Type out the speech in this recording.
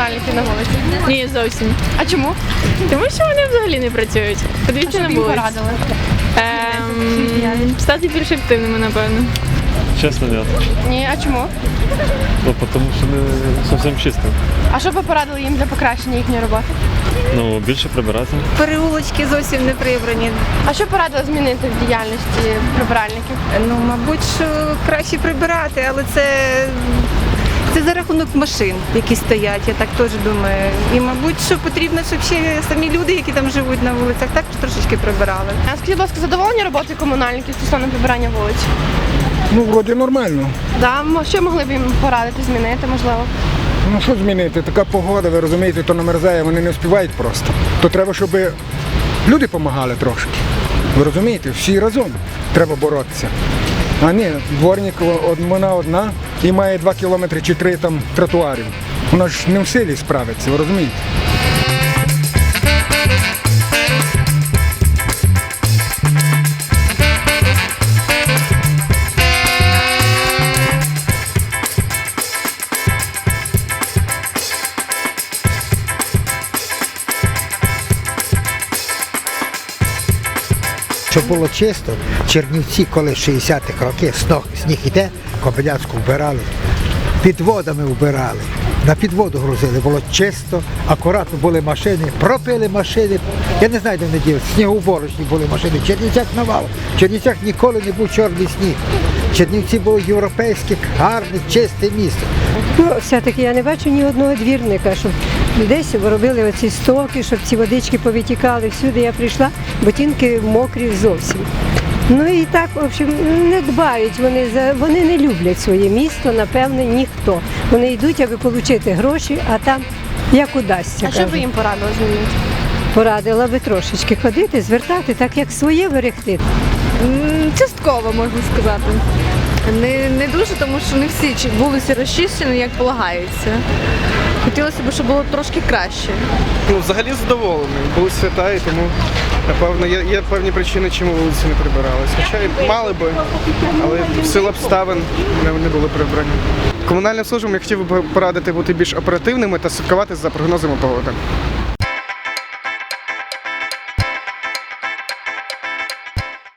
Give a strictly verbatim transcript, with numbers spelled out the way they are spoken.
комунальників на вулиці? Ні, зовсім. А чому? Тому що вони взагалі не працюють. А Подивіться що на б їм вулицю. порадили? Ем, стати більш активними, напевно. Честно, нет. Ні, а чому? Ну, потому что не совсем чисто. А що б ви порадили їм для покращення їхньої роботи? Ну, більше прибирати. Переулочки зовсім не прибрані. А що порадили змінити в діяльності прибиральників? Ну, мабуть, що краще прибирати, але це, це за рахунок машин, які стоять, я так теж думаю. І, мабуть, що потрібно, щоб ще самі люди, які там живуть на вулицях, також трошечки прибирали. А скажіть, будь ласка, задоволені роботою комунальників стосовно прибирання вулиць? Ну, вроді нормально. Да, м- що могли б їм порадити, змінити, можливо? Ну що змінити? Така погода, ви розумієте, то намерзає, вони не встигають просто. То треба, щоб люди допомагали трошки. Ви розумієте, всі разом треба боротися. А ні, дворник од- вона одна і має два кілометри чи три там тротуарів. Вона ж не в силі справиться, ви розумієте? Щоб було чисто, Чернівці, коли в шістдесятих років сніг, сніг іде, Кобиляцьку вбирали, під водами вбирали, на підводу грузили, було чисто, акуратно були машини, пропили машини, я не знаю, де вони діли, снігоуборочні були машини, в Чернівцях навал, в Чернівцях ніколи не був чорний сніг. Чернівці було європейське, гарне, чисте місто. Ну, все-таки я не бачу ні одного двірника, щоб десь робили оці стоки, щоб ці водички повитікали. Всюди я прийшла, ботинки мокрі зовсім. Ну і так, в общем, не дбають вони, за, вони не люблять своє місто, напевне, ніхто. Вони йдуть, аби отримати гроші, а там як удасться. А що б ви кажуть. їм порадили змінити? Порадила би трошечки ходити, звертати, так як своє берегти. М, Частково, можна сказати. Не, не дуже, тому що не всі чи- вулиці розчищені, як полагається. Хотілося б, щоб було трошки краще. Ну, взагалі задоволений. Були свята, і тому, напевно, є, є певні причини, чому вулиці не прибирались. Хоча й мали би, але в силу обставин не, не були прибрані. Комунальним службам я хотів би порадити бути більш оперативними та слідкувати за прогнозами погоди.